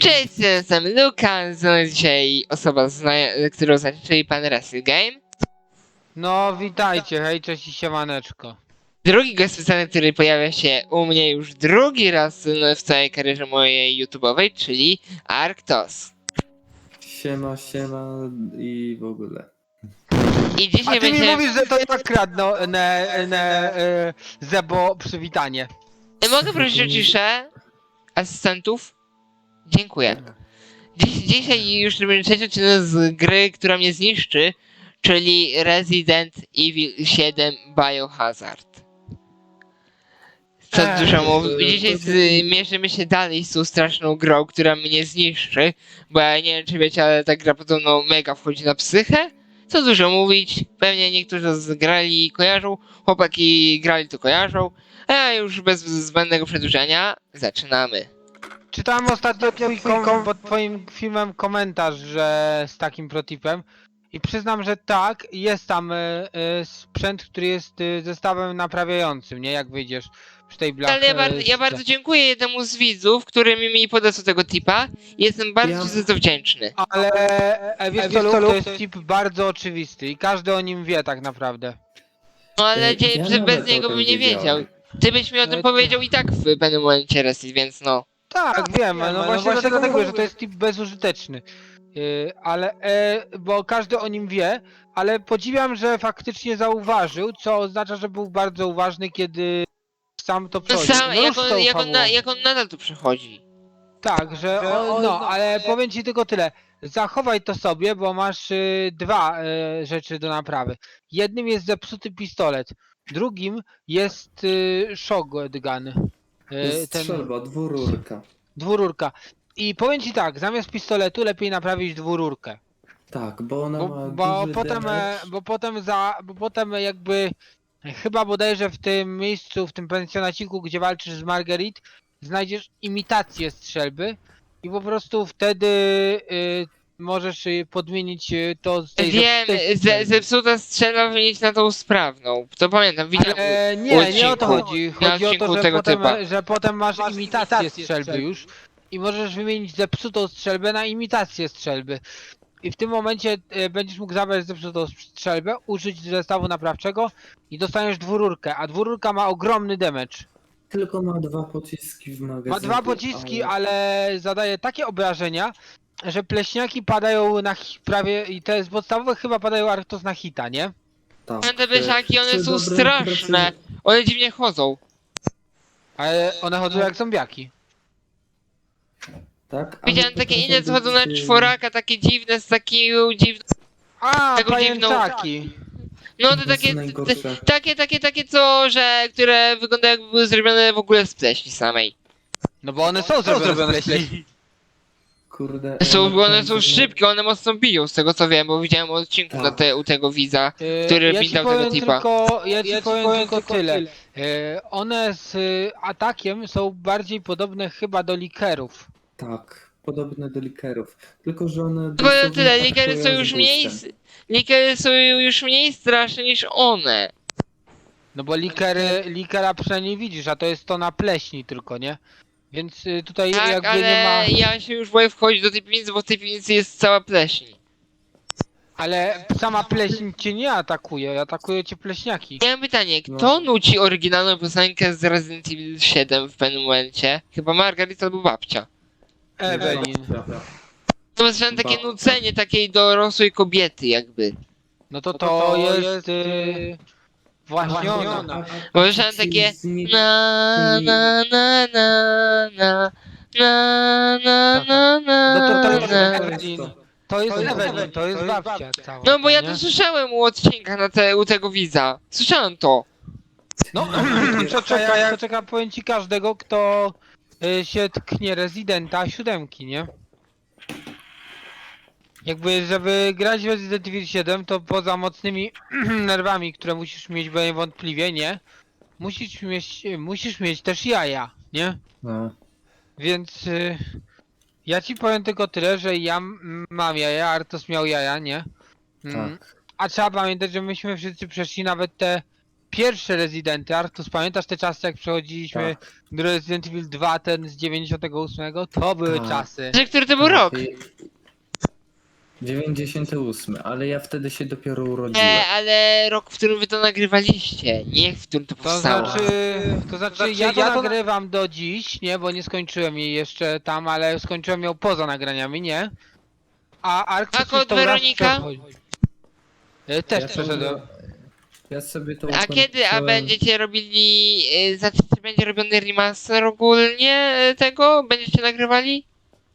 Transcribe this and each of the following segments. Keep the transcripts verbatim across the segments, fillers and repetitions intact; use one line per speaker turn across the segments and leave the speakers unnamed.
Cześć, jestem Lukas, no dzisiaj osoba, zna- którą znacie, czyli pan Wrestle Game.
No witajcie, hej, cześć i siemaneczko.
Drugi gość specjalny, który pojawia się u mnie już drugi raz w całej karierze mojej YouTube'owej, czyli Arctos.
Siema, siema i w ogóle.
I dzisiaj
A ty mi
będzie...
mówisz, że to ja kradnę ne, ne, e, Zebo przywitanie.
Mogę prosić o ciszę asystentów? Dziękuję. Dziś, dzisiaj już robimy trzeci odcinek z gry, która mnie zniszczy, czyli Resident Evil siedem Biohazard. Co
Ech,
dużo mówię,
to-
dzisiaj
to-
zmierzymy się dalej z tą straszną grą, która mnie zniszczy, bo ja nie wiem czy wiecie, ale ta gra podobno mega wchodzi na psychę. Co dużo mówić, pewnie niektórzy zgrali i kojarzą, chłopaki grali to kojarzą, a ja już bez zbędnego przedłużenia zaczynamy.
Czytałem ostatnio twój kom, pod twoim filmem komentarz, że z takim protipem. I przyznam, że tak, jest tam e, e, sprzęt, który jest e, zestawem naprawiającym, nie? Jak wyjdziesz przy tej blach.
Ale ja,
e,
bardzo, ja
z-
bardzo dziękuję jednemu z widzów, który mi, mi podesłał tego tipa i jestem bardzo
Ja-
ci za to wdzięczny.
Ale e, wiesz co, Luke, to jest tip bardzo oczywisty i każdy o nim wie tak naprawdę.
No ale
Ej,
dzie-
ja
że bez
nawet o
niego
tym
bym nie wiedział.
wiedziałem.
Ty byś mi o tym
E,
powiedział i tak w pewnym momencie, Resid, więc no.
Tak, wiem, no, właśnie dlatego mówię, że to jest tip bezużyteczny. Yy, ale, e, bo każdy o nim wie, ale podziwiam, że faktycznie zauważył, co oznacza, że był bardzo uważny, kiedy sam to
No
przechodził.
sam,
No
jak
już
on,
tą
jak, on na,
fabułą.
jak on nadal tu przechodzi.
Tak, że o, no, ale powiem ci tylko tyle. Zachowaj to sobie, bo masz y, dwa y, rzeczy do naprawy. Jednym jest zepsuty pistolet, drugim jest y, shotgun.
To
Y,
jest strzelba, dwururka.
Dwururka. I powiem ci tak, zamiast pistoletu lepiej naprawić dwururkę.
Tak, bo ona
Bo,
ma
bo
duży
potem, e,
damage.
bo potem za, bo potem jakby chyba bodajże w tym miejscu, w tym pensjonaciku, gdzie walczysz z Marguerite, znajdziesz imitację strzelby i po prostu wtedy y, możesz y, podmienić y, to z tej
Wiem,
zepsutej
ze,
strzelby.
zepsuta strzela wynieść na tą sprawną. To pamiętam, widziałem.
Ale
u
nie, nie o to
odcinku.
chodzi.
Na
Chodzi o
odcinku
to, że
tego
potem,
typa.
że potem masz imitację strzelby już i możesz wymienić zepsutą strzelbę na imitację strzelby. I w tym momencie e, będziesz mógł zabrać zepsutą strzelbę, użyć zestawu naprawczego i dostaniesz dwururkę, a dwururka ma ogromny damage.
Tylko ma dwa pociski w magazynie.
Ma dwa pociski, ale zadaje takie obrażenia, że pleśniaki padają na hi- prawie, i te z podstawowych chyba padają Arctos na hita, nie?
Tak.
Te besiaki, one
Przy
są
dobrym
straszne.
precyz-
One dziwnie chodzą.
Ale one chodzą jak zombiaki.
Tak, ale
Widziałem takie
potrafią
inne, co chodzą na
być, y,
czworaka, takie dziwne, z takiego dziwną...
A,
Taką dziwną-
pajęczaki.
No to
To
takie,
są najgorsze.
t- takie, takie, takie co, że, które wyglądają jakby były zrobione w ogóle z pleśni samej.
No bo one są zrobione z pleśni.
Kurde.
Są,
e,
bo one są
naprawdę-
szybkie, one mocno biją, z tego co wiem, bo widziałem odcinku
Tak.
na te, u tego widza,
E,
który
ja
mi
ci
dał tego
powiem
tipa.
tylko, ja ci powiem tylko tyle. E, One z y, atakiem są bardziej podobne chyba do likerów.
Tak, podobne do likerów. Tylko, że one.
Tylko
dosłownie
tyle, likery są
atakują
już
z
mniej,
boostem.
likery są już mniej straszne niż one.
No bo likery, likera przynajmniej widzisz, a to jest to na pleśni tylko, nie? Więc y, tutaj
Tak,
jakby
ale
nie ma...
ja się już boję wchodzić do tej piwnicy, bo w tej piwnicy jest cała pleśń.
Ale sama pleśń cię nie atakuje, atakuje cię pleśniaki.
Ja mam pytanie, kto
No.
nuci oryginalną piosenkę z Resident Evil siedem w pewnym momencie? Chyba Margarita albo babcia.
Ewelin.
Dobra.
To jest takie
Babcia.
nucenie takiej dorosłej kobiety jakby.
No to to jest... Y, właśnie ona.
Bo słyszałem takie na na na na na na na na na
No to to jest
na.
Ewelin. To jest Ewelin, to jest babcia cała.
No bo ja
nie?
to słyszałem u odcinka na te, u tego widza. Słyszałem to.
No, to czeka, to czeka, powiem ci każdego, kto y, się tknie Residenta siódemki, nie? Jakby, żeby grać w Resident Evil siedem, to poza mocnymi nerwami, które musisz mieć, bo niewątpliwie, nie? Musisz mieć, musisz mieć też jaja, nie?
No.
Więc y, ja ci powiem tylko tyle, że ja m- mam jaja, Artos miał jaja, nie? Mm,
Tak.
A trzeba pamiętać, że myśmy wszyscy przeszli nawet te pierwsze Residenty. Artus, pamiętasz te czasy, jak przechodziliśmy
Tak.
do Resident Evil dwa, ten z dziewięćdziesiątego ósmego? To były
Tak.
czasy.
Że który to był rok?
dziewięćdziesiąty ósmy, ale ja wtedy się dopiero urodziłem.
E, ale rok, w którym wy to nagrywaliście, nie w którym to
To
powstało.
znaczy, to znaczy ja to nagrywam do dziś, nie, bo nie skończyłem jej jeszcze tam, ale skończyłem ją poza nagraniami, nie? A Arctus
A kod
już tą raz
Weronika?
przechodzi. E, Też
Ja
przeszedłem.
sobie- Ja sobie to
A kiedy, a
ukończyłem-
będziecie robili, y, znaczy czy będzie robiony remaster ogólnie y, tego? Będziecie nagrywali?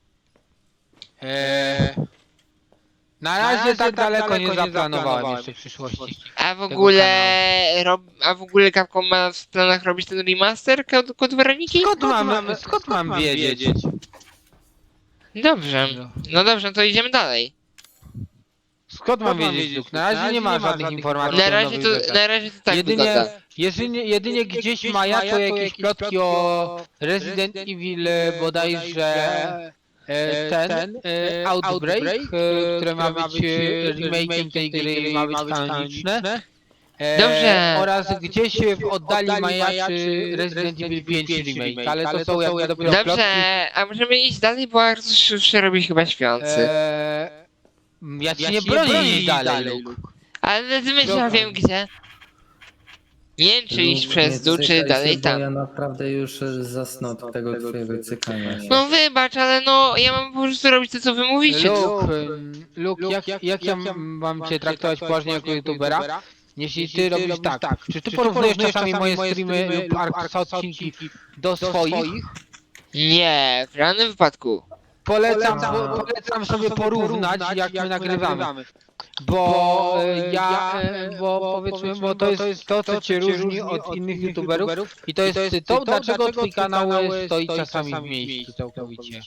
Eee, na razie tak daleko nie zaplanowałem jeszcze w przyszłości.
A w
Tego
ogóle, rob, a w ogóle Capcom ma w planach robić ten remaster kod, kod Weroniki?
Skąd mam, skąd mam wiedzieć?
Dobrze, no dobrze, to idziemy dalej.
Skąd mam wiedzieć, Luke? Na razie nie ma żadnych informacji
Na
o
razie
nowych
to,
rzeczach.
na razie to tak
Jedynie,
wygląda.
jedynie, jedynie gdzieś maja to jakieś plotki o Resident Evil e, bodajże e, ten e, Outbreak, e, które ma być e, remake'iem tej gry i ma być kanoniczne. E,
Dobrze.
Oraz gdzieś w oddali majaczy Resident Evil pięć remake, ale to są jakby dopiero plotki.
Dobrze, a możemy iść dalej, bo Artur już się robi chyba śpiący.
E, ja ci nie bronię iść dalej, Luke.
Ale ty myślisz, ja
Dobra.
wiem gdzie. Nie wiem, czy iść
Lub
przez
nie
dół, czy
cykaj
dalej
się, bo
tam.
Ja naprawdę już e, zasnę od tego twojego cykania się.
No wybacz, ale no, ja mam po prostu robić to, co wy mówicie.
Luke, ym, Luke, jak, jak ja mam cię traktować poważnie jako youtubera, jeśli ty robisz tak? Czy ty porównujesz czasami moje streamy lub Arkusa odcinki do swoich?
Nie, w żadnym wypadku.
Polecam,
Polecam.
po, polecam sobie porównać, jak my nagrywamy. Bo e, ja, e, bo powiedzmy, bo to jest to, co cię różni od innych youtuberów i to jest to, dlaczego twój kanał stoi czasami w miejscu całkowicie.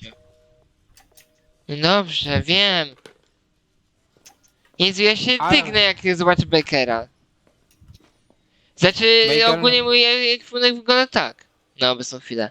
Dobrze, wiem. Jezu, ja się
Ale-
tygnę, jak zobaczę Bakera. Znaczy,
Baker-
ogólnie mój ekwipunek wygląda tak. Na obecną chwilę.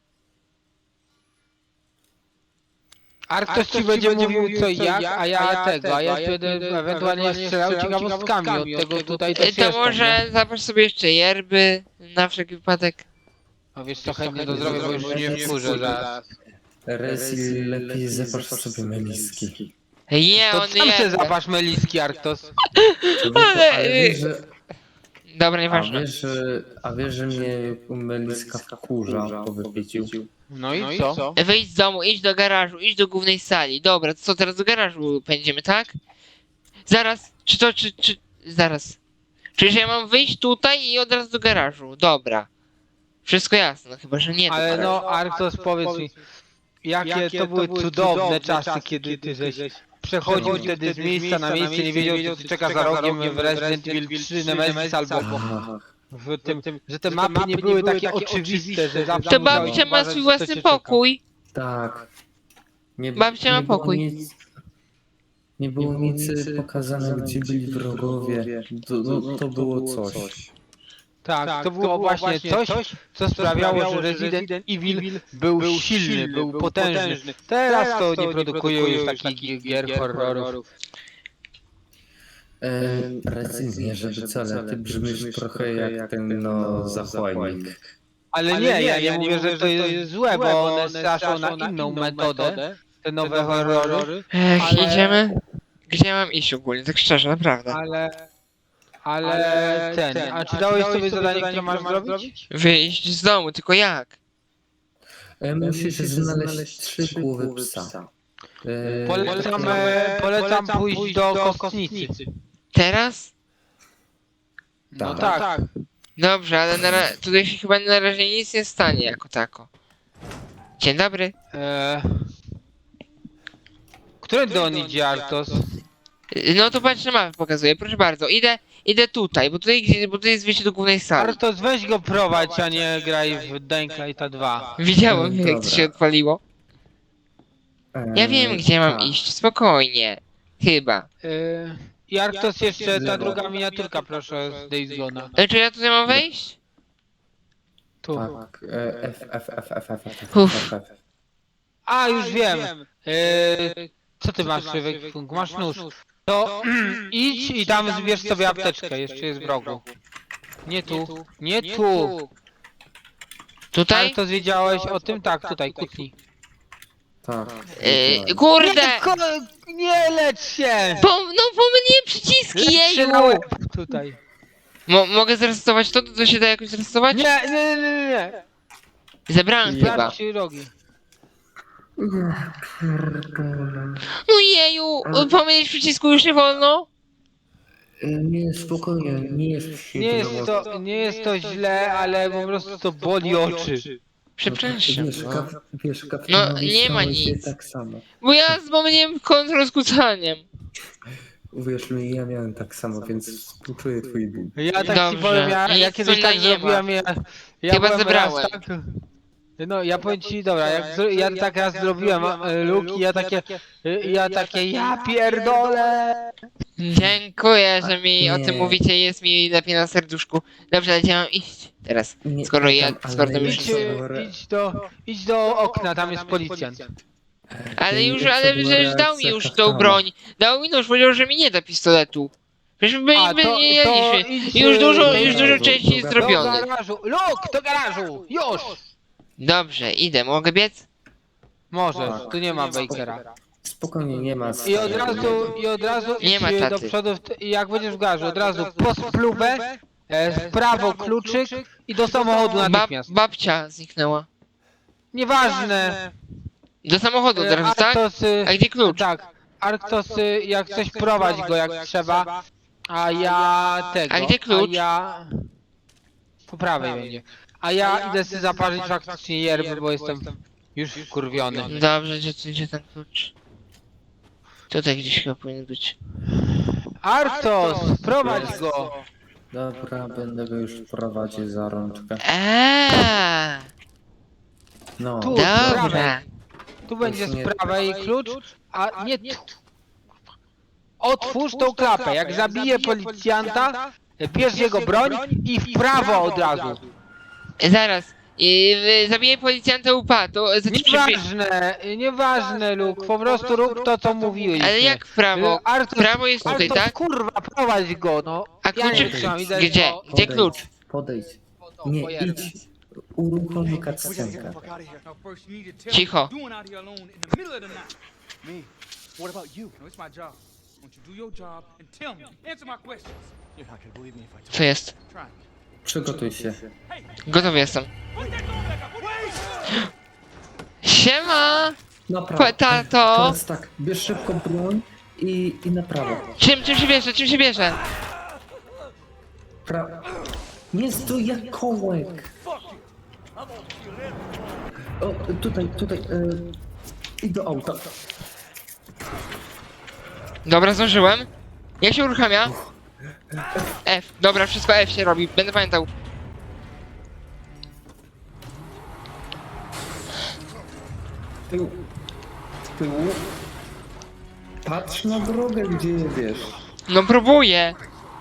Artos ci będzie mówił co i jak, a ja tego, a ja będę ewentualnie strzelał ciekawostkami od tego tutaj też
E, To
jestem,
może
nie?
zaproś sobie jeszcze yerby, na wszelki wypadek.
No wiesz co, chętnie to zrobię, bo już się nie wkurzę zaraz.
Resi, lepiej zapasz sobie meliski.
Nie,
To
on
sam się
je...
zapasz meliski, Artos.
Człowieku,
Ale-
ale wiesz, że,
Dobra,
a,
nieważne.
wiesz, że, a wiesz, że mnie meliska wkurza po wypiciu.
No i co?
Wyjdź z domu, idź do garażu, idź do głównej sali. Dobra, to co teraz do garażu pędzimy, tak? Zaraz, czy to, czy, czy... Zaraz. Czyż ja mam wyjść tutaj i od razu do garażu? Dobra. Wszystko jasne, no chyba, że nie do
Ale
garażu.
no, Artos, powiedz mi, jakie to były cudowne czasy, kiedy ty żeś przechodził wtedy z miejsca na miejsce, nie wiedział, co cię czeka za rogiem w Resident Evil trzy Nemesis albo
Ach,
w tym, że te mapy nie były takie oczywiste, że zawsze
To
musiałeś
babcia ma
uważać,
swój
co cię
własny
czeka.
pokój.
tak. Nie,
Babcia ma
nie było
pokój.
Nic, nie było nic e, pokazane, gdzie byli wrogowie. To, to, to było coś.
Tak, to było właśnie coś, co sprawiało, że Resident Evil był silny, był potężny. Teraz to nie produkują już takich gier horrorów.
E, Resi, nie żeby co, ale ty brzmisz trochę jak ten no zachłajnik.
Ale nie, ja nie mówię, że to jest złe, bo one straszą na inną metodę, te nowe horrory,
Ech,
Ale-
idziemy? Gdzie mam iść ogólnie, tak szczerze, naprawdę.
ale... Ale ten, a czy dałeś sobie zadanie, które masz zrobić?
Wyjść z domu, tylko jak?
E, musisz znaleźć trzy głowy psa. E,
Polecam, e, polecam pójść do kostnicy.
Teraz?
No
Tak.
tak.
Dobrze, ale na ra- tutaj się chyba na razie nic nie stanie jako tako. Dzień dobry.
E... Którędy on idzie, Artos?
Y, No to patrz na mapę pokazuję, proszę bardzo. Idę, idę tutaj, bo tutaj, gdzie- bo tutaj jest wyjście do głównej sali.
Artos, weź go prowadź, a nie graj w Dying Lighta dwa.
Widziałem, jak to
Dobra.
się odpaliło.
e,
Ja wiem, gdzie mam
tak.
iść, spokojnie. Chyba.
E... I Artos, jeszcze ta druga miniaturka, proszę, z Days Gone'a.
E, Czy ja tutaj mam wejść?
Tu.
Tak, e, F, F, F, F, F, F,
Uff.
F, F.
A, już wiem. E... Co ty masz, Wekfunk? Masz nóż. To idź i tam zbierz sobie apteczkę, jeszcze jest w rogu. Nie tu, nie tu!
Tutaj?
Artos, wiedziałeś o tym? Tak, tutaj, kucnij.
Tak.
Yy,
wiedziałem.
kurde!
Nie, ko nie lecz się!
Po, no pomyliłem przyciski,
Lecz się
jeju!
na łeb, tutaj.
Mo mogę zresetować to? To się da jakoś zresetować?
Nie, nie, nie, nie, nie.
Zebrałem
Ja-
chyba.
Sprawdź ci rogi.
No jeju! Pomylić przycisku już nie wolno?
Nie, spokojnie, nie jest
Nie jest to, nie jest to źle, ale po prostu to boli oczy.
Przepraszam.
Wiesz,
No.
kap, wiesz,
No,
kapitanowi
nie ma
stało się
nic.
tak samo.
Bo ja pomyliłem kontrol z kucaniem.
Uwierz mi, ja miałem tak samo, więc współczuję twój ból.
Ja tak
Dobrze.
ci powiem, ja, ja
Nic
kiedyś
tutaj
tak
nie ma.
zrobiłem, ja, ja
Chyba
byłem
zebrałem.
raz tak... No ja powiem ci, dobra, jak zro, ja tak raz zrobiłem e, Luke i ja takie, e, ja takie, ja pierdolę!
Dziękuję, że mi o tym
Nie.
mówicie, jest mi lepiej na serduszku. Dobrze, gdzie mam iść teraz?
Nie,
Skoro
nie
ja
tam,
z
ale
kortem już
Idź,
najlepsze
jestem.
było re-
e, idź do, idź do okna, tam jest policjant.
Ale już,
najlepsza
ale
była
przecież dał mi
reakcja
już tą
kapitana.
broń. Dał mi nóż, powiedział, że mi nie da pistoletu. Przecież by,
A,
by
to-
nie
to
jedliśmy.
idź,
Już
e,
dużo,
do
już dużo
garażu,
części
do
jest
garażu.
Do
zrobionych.
garażu, Luke, do garażu, już!
Dobrze, idę, mogę biec?
Możesz,
Tak.
tu nie ma Bakera.
Spokojnie, nie ma.
I od razu, i od razu
Nie
idź
ma
do
taty.
przodu, w t- i jak będziesz w garażu, od razu po spluwę, e, w prawo kluczyk i do samochodu
Bab,
natychmiast.
babcia zniknęła.
Nieważne.
Do samochodu
E,
teraz, tak?
Arktosy,
A gdzie klucz?
tak, Arktosy, jak coś prowadź go jak trzeba, a ja tego,
A gdzie klucz?
a ja... Po prawej będzie. A ja idę sobie zaparzyć faktycznie yerby, bo jestem już wkurwiony.
Dobrze, gdzie, gdzie ten klucz? Tutaj gdzieś chyba powinien być.
Arktos, prowadź go!
Dobra, będę go już prowadził za rączkę.
Eee,
No,
Tu.
dobra.
Tu będzie
nie-
z prawej klucz, a nie tu. Otwórz tą klapę, jak zabije policjanta, bierz jego broń i w prawo od razu.
Zaraz. I, y, zabiję policjanta upa, to znaczy przybie...
Nieważne, nieważne Luke, po prostu rób to co mówiłeś.
Ale jak w prawo?
Artur,
Prawo jest tutaj,
Artur,
tak?
kurwa, prowadź go, no.
A
Ja nie
kluczyk
trzymam, idę
gdzie?
po-
Gdzie
podejdź,
klucz?
Podejdź. Nie, idź. Uruchomi cutscenkę.
Cicho.
Me? What about you? No, it's my job. Won't you do your job and tell me? Answer my questions. You're not gonna believe me if I
Co jest?
try.
Przygotuj się.
Gotowy jestem.
Put that gun back up. Wait!
Siema!
Naprawdę.
Tato!
Teraz tak, bierz szybko broń i, i na prawo.
Czym, czym się bierze? Czym się bierze?
Pra... Nie stój jak kołek. O, tutaj, tutaj. Yy, I do auta.
Dobra, zdążyłem. Jak się uruchamia? F. Dobra, wszystko F się robi. Będę pamiętał.
Tył. Tył. Patrz na drogę, gdzie jedziesz.
No próbuję.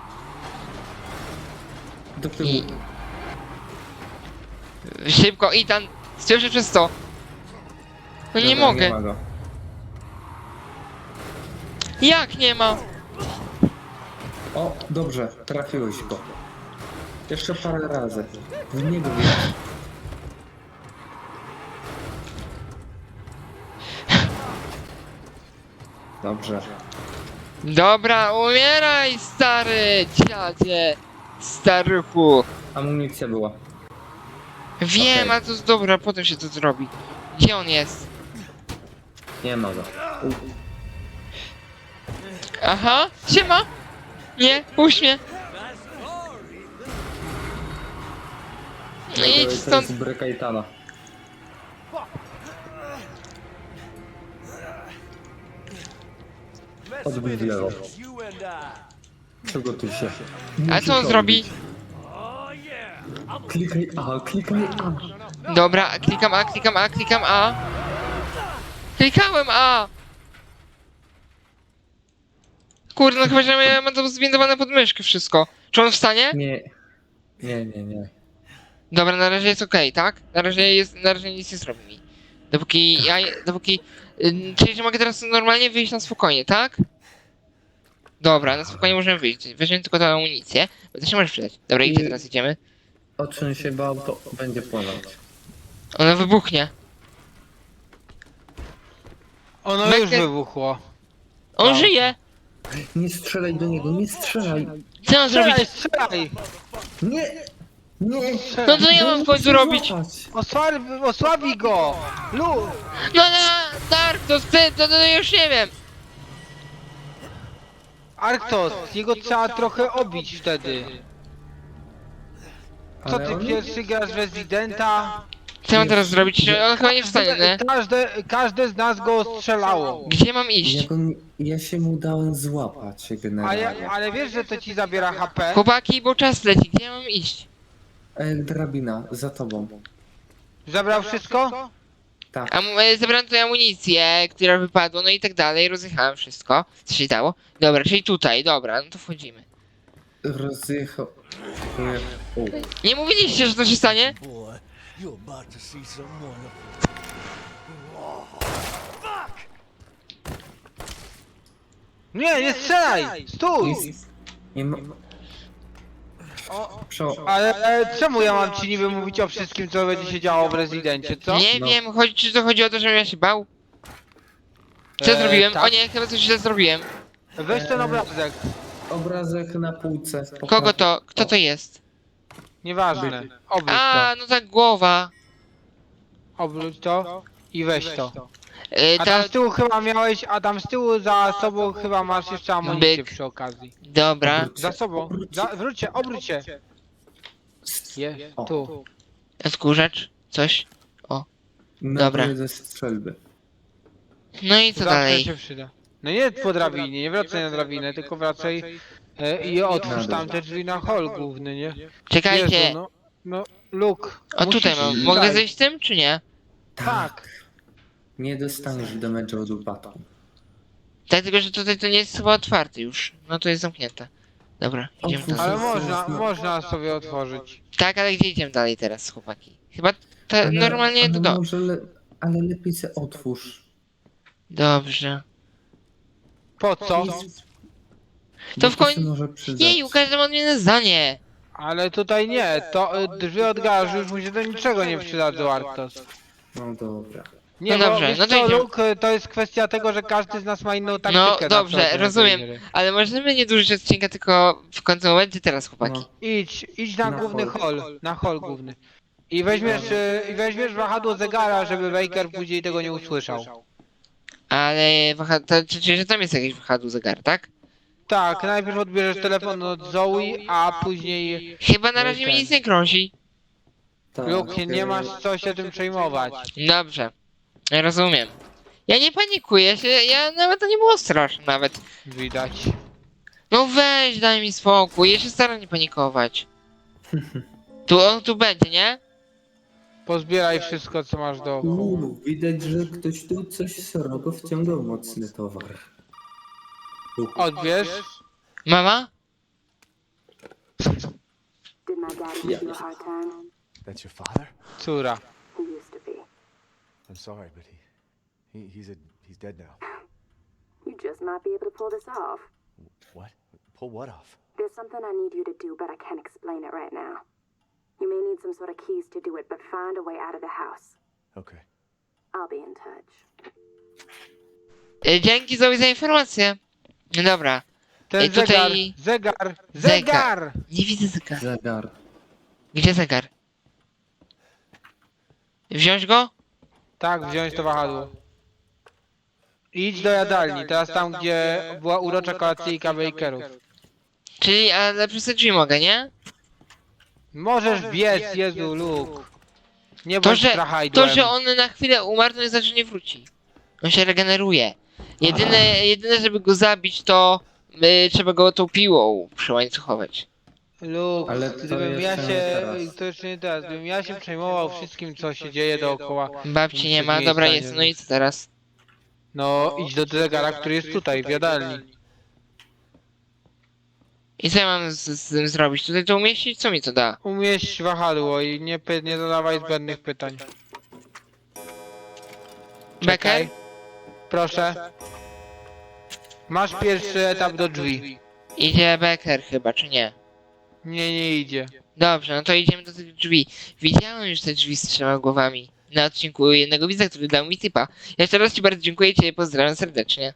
Do tyłu.
I... Szybko, Ethan. Słyszę przez to. No nie
Dobra,
mogę.
Nie ma go.
Jak nie ma?
O, dobrze, trafiłeś go. Jeszcze parę razy. W niego wjedź. Dobrze.
Dobra, umieraj, stary dziadzie. Staruchu.
Amunicja była.
Wiem,
Okej.
ale to jest dobra, potem się to zrobi. Gdzie on jest?
Nie ma go. U,
Aha, siema. Nie, puść mnie. No idź
to
stąd.
jest Brekajtana. Odbył wielo.
You and I.
Przygotuj się.
A co on zrobi?
Oh yeah.
Klikaj A, klikaj A.
Dobra, klikam A, klikam A, klikam A. Klikałem A. Kurde, no chyba, że ja mam to zwindowane pod myszkę wszystko. Czy on wstanie?
Nie. Nie, nie, nie.
Dobra, na razie jest okej, tak? Na razie jest, na razie nic nie zrobi mi. Dopóki ja, dopóki... Ym, czyli, że mogę teraz normalnie wyjść na spokojnie, tak? Dobra, na spokojnie możemy wyjść. Weźmiemy tylko tę amunicję, bo to się może przydać. Dobra,
I-
gdzie teraz idziemy?
O czym się bał, to będzie płonąć.
Ona wybuchnie.
Ono
Becker-
już wybuchło.
On
Tak.
żyje!
Nie strzelaj do niego, nie strzelaj!
Co mam
Strzelaj,
zrobić?
strzelaj!
Nie! Nie!
No co ja mam w końcu robić?
Złapać.
Osłabi, osłabi go! Lu!
No na Dark, to ty, to, to już nie wiem.
Arktos, jego trzeba trochę obić wtedy. Co
Ale
ty
on-
pierwszy grasz Residenta?
Co ja mam teraz zrobić? On chyba nie wstanie, nie?
Każde, każde z nas go strzelało.
Gdzie mam iść?
Ja, go, ja się mu dałem złapać
A
generalnie.
ja, ale wiesz, że to ci zabiera H P?
Chłopaki, bo czas leci, gdzie ja mam iść?
E, drabina, za tobą.
Zabrał wszystko?
Tak.
Am e, zebrałem tutaj amunicję, która wypadła, no i tak dalej, rozjechałem wszystko, co się dało. Dobra, czyli tutaj, dobra, no to wchodzimy.
Rozjechał. O.
Nie mówiliście, że to się stanie?
Boy, you're about to see some wonderful.
Nie, nie strzelaj! Stój!
Jest- Nie ma... Przo...
Ale e, czemu ja mam ci niby mówić o wszystkim, co będzie się działo w Rezydencie, co?
Nie
No.
wiem, chodzi, czy to chodzi o to, żebym ja się bał? Co
E,
zrobiłem?
tak.
O nie, chyba coś źle zrobiłem.
Weź ten obrazek.
Obrazek na półce.
Kogo to? Kto to jest?
Nieważne. Obróć
A,
to.
no tak, głowa.
Obróć to i weź to.
E,
A tam
ta...
z tyłu chyba miałeś, a tam z tyłu za sobą chyba masz jeszcze amunicję
Byk.
przy okazji.
Dobra.
Za sobą. Za, wróć się, obróć się. Je,
O.
tu.
Odkurzacz? Coś? Dobra.
Naboje ze strzelby.
No i co
Zawsze
dalej?
się przyda. No nie po drabinie, nie wracaj na drabinę, tylko wracaj e, i otwórz
Na dół.
tam te drzwi na hol główny, nie?
Czekajcie.
Jezu, no, no, Luke.
O tutaj
musisz
mam.
strzelać.
Mogę zejść tym, czy nie?
Tak.
Nie dostaniesz damage'u od upadku.
Tak, tylko że tutaj to nie jest chyba otwarte już. No to jest zamknięte. Dobra, idziemy
Otwórz.
dalej.
Ale można, można sobie otworzyć.
Tak, ale gdzie idziemy dalej teraz, chłopaki? Chyba te,
Ale-
normalnie
ale
to do...
Może le... Ale lepiej se otwórz.
Dobrze.
Po co?
To w
Bo
koń-
się może przydać.
Jeju, każdy ma odmienne zdanie.
Ale tutaj nie, to y, drzwi od garażu już mu się do niczego nie przydadzą, Arktos.
No dobra.
Nie,
No
bo
dobrze,
wiesz
no to
co,
idziemy.
Luke, to jest kwestia tego, że każdy z nas ma inną taktykę.
No
na
dobrze,
przechodzenie tej
rozumiem.
gry.
Ale możemy nie dłużyć odcinka, tylko w końcu momencie teraz, chłopaki.
No.
Idź, idź na,
Na
główny
hol.
hol, na hol główny. I weźmiesz, y, i weźmiesz wahadło zegara, żeby Baker później tego nie usłyszał.
Ale waha... to, czy, czy, że tam jest jakiś wahadło zegar, tak?
Tak, najpierw odbierzesz telefon od Zoe, a później...
Chyba na razie mi nic nie grozi.
Tak,
Luke, nie
e,
masz co się tym przejmować.
Dobrze. Rozumiem. Ja nie panikuję się, ja nawet to nie było straszne nawet.
Widać.
No weź, daj mi spokój, ja się staram nie panikować. Tu, on tu będzie, nie?
Pozbieraj wszystko, co masz dookoła.
Uuu, widać, że ktoś tu coś srogo wciągał mocny towar.
Odbierz.
Mama?
Did my dad give you a hard time?
That's your father?
Córa.
He used to be.
I'm sorry, but he, he he's a he's dead now.
You just might be able to pull this off.
What? Pull what off?
There's something I need you to do, but I can't explain it right now. You may need some sort of keys to do it, but find a way out of the house.
Okay.
I'll be in touch.
E, Dzięki Zoe za informację. No dobra.
Ten
Ej, tutaj-
zegar, zegar,
Zegar.
zegar!
Nie widzę zegara.
Zegar.
Gdzie zegar? Wziąć go?
Tak, wziąć to wahadło. Idź do jadalni, teraz tam, gdzie była urocza kolacyjka Bakerów.
Czyli, ale przez te drzwi mogę, nie?
Możesz biec, Jezu, Luke. Nie
To,
bądź
że,
strachajdłem.
to, że on na chwilę umarł, to nie znaczy, że nie wróci. On się regeneruje. Jedyne, jedyne żeby go zabić, to y, trzeba go tą piłą przyłańcuchować.
Luke,
Ale to
gdybym ja
jeszcze nie
się...
teraz.
To jeszcze nie teraz. Gdybym ja się przejmował wszystkim, co się dzieje dookoła.
Babci nie
Nic
ma,
miejsca
dobra
nie
jest,
wiem.
no i co teraz?
No, idź do zegara, który jest tutaj, w jadalni.
I co ja mam z, z tym zrobić? Tutaj to umieścić? Co mi to da?
Umieść wahadło i nie, py- nie zadawaj zbędnych pytań.
Becker?
Czekaj. Proszę. Masz pierwszy etap do drzwi.
Idzie Becker chyba, czy nie?
Nie, nie idzie.
Dobrze, no to idziemy do tych drzwi. Widziałem już te drzwi z trzema głowami na odcinku jednego widza, który dał mi typa. Jeszcze raz ci bardzo dziękuję i cię pozdrawiam serdecznie.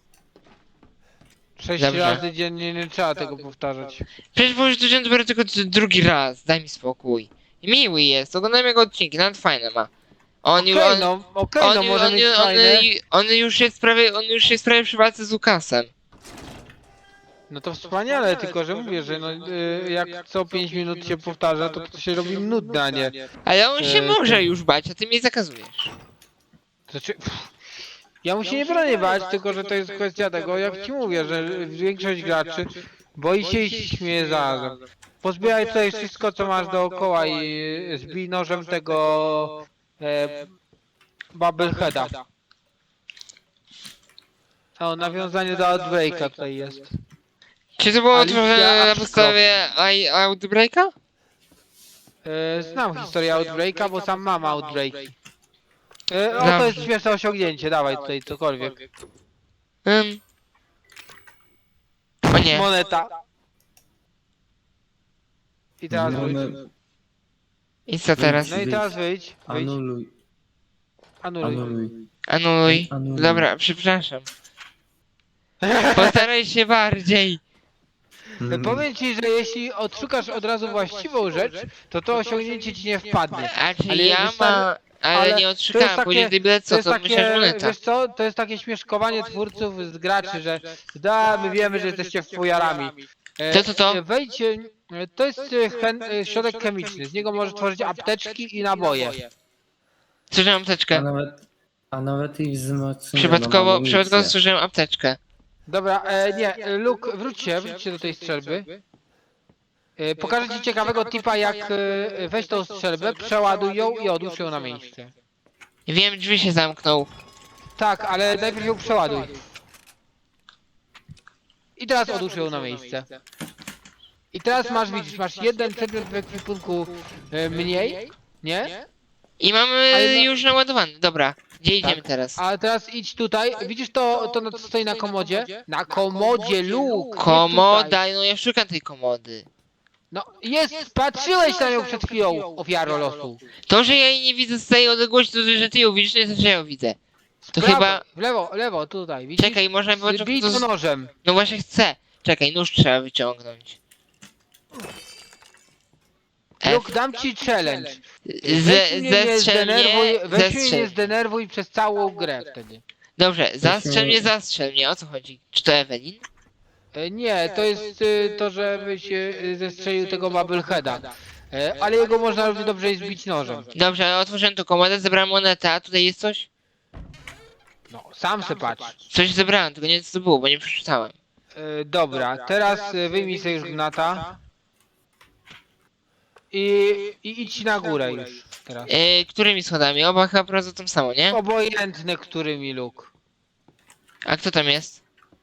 Sześć
Dobrze.
razy dziennie nie trzeba tego powtarzać.
Przecież bo już dowiedziałem dopiero tylko d- drugi raz, daj mi spokój. Miły jest, oglądałem jego odcinki, nawet fajne ma. On,
Okej,
ju- on,
no, okej,
on,
no
ju-
może
on,
mieć
ju- on,
fajne.
ju- on już jest prawie, on już jest prawie przy walce z Lukasem.
No to wspaniale, tylko że mówię, że no, y, jak co pięć minut się powtarza, to to się robi nudne, a nie.
Ale on się
E,
może
to-
już bać, a ty mnie zakazujesz.
Znaczy, pff, ja mu się nie bronię bać, tylko że to jest kwestia tego, jak ci mówię, że większość graczy boi się i się śmieje zarazem. Pozbieraj tutaj wszystko, co masz dookoła i zbij nożem tego e, Bubbleheada. O, nawiązanie do Outbreaka tutaj jest.
Czy to było
Alicja
tworzone na
Ashcroft.
podstawie I- Outbreaka?
E, znam historię Outbreaka, bo sam mam Outbreaki. E, o,
Dobrze.
to jest śmieszne osiągnięcie, dawaj tutaj cokolwiek.
Um. O nie.
Moneta. I teraz wyjdź.
Mamy-
I co teraz?
No i teraz wyjdź. Wyjdź.
Anuluj,
Anuluj.
anuluj.
Anuluj.
Anuluj.
Dobra, przepraszam. Postaraj się bardziej.
Mm,
Powiem ci, że jeśli odszukasz od razu właściwą rzecz, to to osiągnięcie ci nie wpadnie.
A czy
Ale
ja
wystar-
ma... Ale,
ale
nie
to jest
odszukałem,
takie-
później gdy byle
To
co,
jest
to myślę, że
takie,
moneta.
wiesz co, to jest takie śmieszkowanie twórców z graczy, że da, my wiemy, że jesteście fujarami. E,
To, to, to.
e, Wejdź, e, to jest e, chen, e, środek chemiczny, z niego możesz tworzyć apteczki i naboje.
Zużyłem
A
apteczkę.
nawet, a nawet i wzmocnienie.
Przypadkowo, przypadkowo zużyłem apteczkę.
Dobra, e, nie, e, Luke, wróć się, wróć się do tej strzelby. E, pokażę ci ciekawego tipa, jak e, weź tą strzelbę, przeładuj ją i odłóż ją na miejsce.
Wiem, drzwi się zamknął.
Tak, ale najpierw ją przeładuj. I teraz odłóż ją na miejsce. I teraz masz, widzisz, masz jeden przedmiot w ekwipunku e, mniej, nie?
I mamy
Ale no-
już naładowany. Dobra, gdzie idziemy
Tak.
teraz?
A teraz idź tutaj, widzisz to, to co stoi na komodzie? Na komodzie, Luke! nie
Komoda,
tutaj.
no ja szukam tej komody.
No jest, patrzyłeś na nią przed chwilą, ofiaro losu.
To, że ja jej nie widzę z tej odległości, to że ty ją widzisz, nie znaczy, że ja ją widzę. To
Prawo,
chyba...
W lewo, lewo, tutaj, widzisz?
Czekaj, można było...
Bij to nożem.
No właśnie chcę. Czekaj, nóż trzeba wyciągnąć. F.
Luke, dam ci challenge. Weź
Ze,
mnie nie
zestrzel mnie,
zdenerwuj, weź mnie nie
zestrzel.
zdenerwuj przez całą grę wtedy.
Dobrze, zastrzel
Musimy-
mnie, zastrzel mnie, o co chodzi? Czy to Ewelin?
E, Nie, to jest y, to, żebyś y, zestrzelił tego Bubbleheada. E, Ale jego można równie dobrze zbić nożem.
Dobrze, otworzyłem tu komodę, zebrałem monetę, a tutaj jest coś?
No, sam se patrz.
Coś zebrałem, tylko nie wiem co to było, bo nie przeczytałem.
E, Dobra, teraz y, wyjmij sobie już gnata. I, I idź na górę już teraz.
E, którymi schodami? Oba chyba prowadzą tam samo, nie?
Obojętne, którymi, Luke.
A kto tam jest?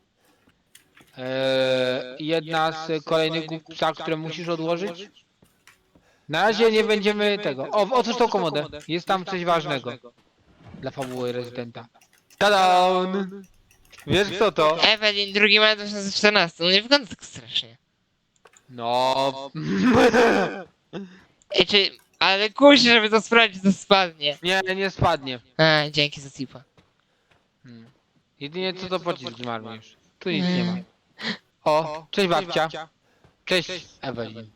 E, jedna z kolejnych głów psa, które musisz odłożyć. Na razie nie będziemy tego. O, otwórz tą komodę. Jest tam coś ważnego. Dla fabuły rezydenta. Tadam! Wiesz kto to?
Ewelin, drugi maja dwa tysiące czternaście, no nie wygląda tak strasznie.
No.
E, czy... Ale kusi, żeby to sprawdzić, to spadnie.
Nie, nie spadnie.
A, dzięki za tipa.
Hmm. Jedynie co to pocisk zmarnujesz. Tu nic nie ma. O, cześć babcia. Cześć Ewelin.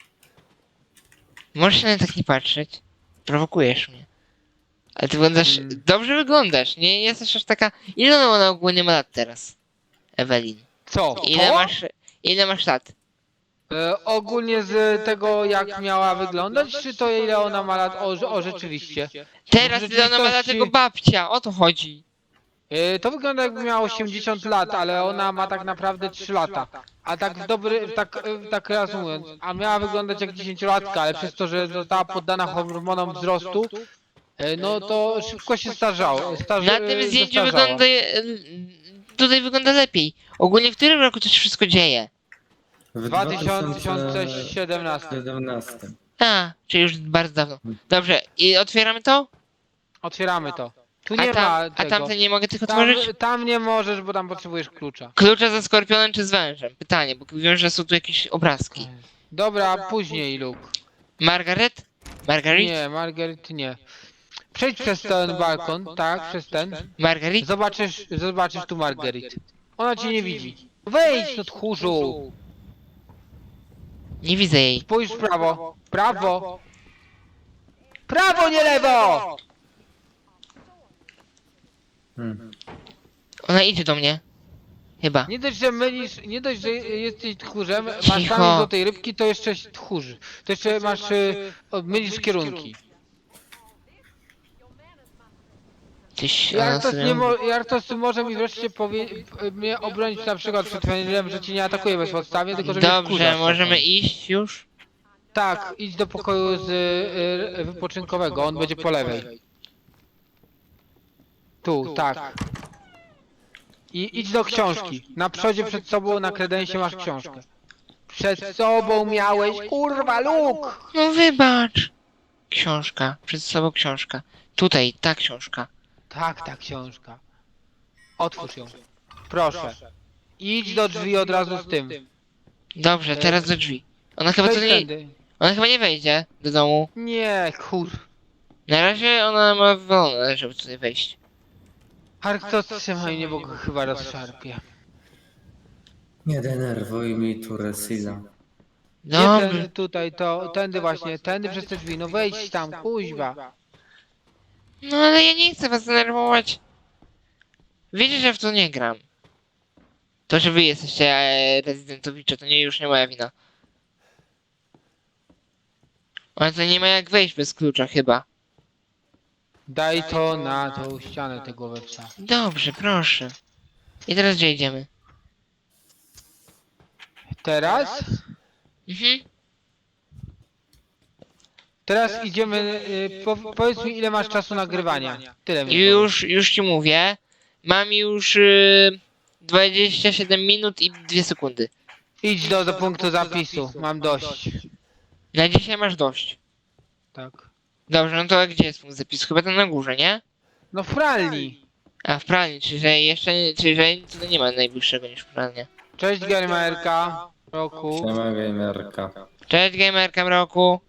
Możesz się na tak nie patrzeć. Prowokujesz mnie. Ale ty wyglądasz...
Mm.
Dobrze wyglądasz, nie jesteś aż taka... Ile ona ogólnie ma lat teraz? Ewelin.
Co?
Ile
To?
masz... Ile masz lat?
E, ogólnie z tego jak miała wyglądać, czy to ile ona ma lat? O, o rzeczywiście.
Teraz
W
ile ona ma lat
rzeczywistości-
tego babcia, o to chodzi.
E, to wygląda jakby miała osiemdziesiąt lat, ale ona ma tak naprawdę trzy lata. A tak w dobry, tak, e, tak reasumując, a miała wyglądać jak dziesięciolatka, ale przez to, że została poddana hormonom wzrostu, e, no to szybko się starzało. Starze,
Na tym zdjęciu
zestarzała.
wygląda... Tutaj wygląda lepiej. Ogólnie w którym roku to się wszystko dzieje?
W
dwa tysiące siedemnastym.
siedemnastym.
A, czyli już bardzo dawno. Dobrze, i otwieramy to?
Otwieramy to. Tu nie
A,
ma
tam, a
tego.
tamte nie mogę tych
Tam,
otworzyć?
tam nie możesz, bo tam potrzebujesz klucza.
Klucze ze skorpionem czy z wężem? Pytanie, bo wiem, że są tu jakieś obrazki.
Dobra, później, Luke.
Margaret? Margaret?
Nie, Margaret nie. Przejdź przez ten balkon, tak, przez ten.
Margaret?
Zobaczysz, zobaczysz tu Margaret. Ona cię nie widzi. Wejdź, no tchórzu!
Nie widzę jej.
Spójrz w prawo. Prawo! Prawo, nie lewo!
Hmm.
Ona idzie do mnie. Chyba.
Nie dość, że mylisz, nie dość, że jesteś tchórzem, masz
Cicho.
tam do tej rybki, to jeszcze tchórzy. To jeszcze masz, y, o, mylisz kierunki.
Tyś, ona
Jartos,
sobie...
nie mo, Jartos może mi wreszcie powie, mnie obronić na przykład przed Fenrirem, że cię nie atakuje bezpodstawnie, tylko że mnie
Dobrze,
wkurza
możemy
czasem.
iść już?
Tak, idź do pokoju z y, y, wypoczynkowego, on będzie po lewej. Tu, tak. I idź do książki. Na przodzie przed sobą na kredensie masz książkę. Przed sobą miałeś, kurwa, Luke!
No wybacz. Książka. Przed sobą książka. Tutaj, ta książka.
Tak, ta książka. Otwórz ją. Proszę. Idź do drzwi od razu z tym.
Dobrze, teraz do drzwi. Ona chyba tu
Przejdź
nie...
tędy.
Ona chyba nie wejdzie do domu.
Nie, kur...
Na razie ona ma wolne, żeby tutaj wejść.
Arktos, trzymaj mnie, bo go chyba rozszarpie.
Nie denerwuj mi tu Resila.
Nie
Dobrze.
tędy tutaj, to, tędy właśnie, tędy przez te drzwi, no wejdź tam, kuźwa.
No ale ja nie chcę was denerwować. Wiecie, że w to nie gram. To, że wy jesteście e, rezydentowicze, to nie już nie moja wina. Ale to nie ma jak wejść bez klucza chyba.
Daj to na tą ścianę tego wepsa.
Dobrze, proszę. I teraz gdzie idziemy?
Teraz?
Mhm.
Teraz idziemy, y, po, powiedz mi ile masz czasu nagrywania. Tyle mi
I już, już ci mówię. Mam już y, dwadzieścia siedem minut i dwie sekundy.
powiedz. Idź do, do punktu zapisu, mam dość.
Na dzisiaj masz dość.
Tak.
Dobrze, no to gdzie jest punkt zapisu? Chyba tam na górze, nie?
No w pralni.
A w pralni, czyli że jeszcze, czyli że tutaj nie ma najbliższego niż pralnia.
Cześć Gamerka, Roku.
Siema gamerka.
Cześć gamerka mroku.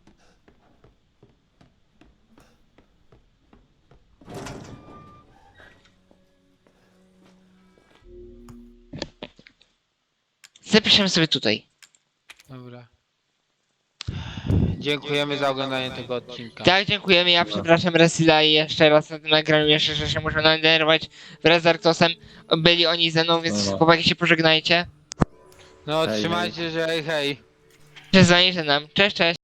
Zapiszemy sobie tutaj.
Dobra. Dziękujemy za oglądanie tego odcinka.
Tak, dziękujemy. Ja przepraszam Resila i jeszcze raz na tym nagraniu jeszcze, że się muszę nadenerwować wraz z Arktosem. Byli oni ze mną, więc
Dobra.
chłopaki się pożegnajcie.
No
Hej,
trzymajcie się, hej hej.
Cześć, za nam. Cześć, cześć.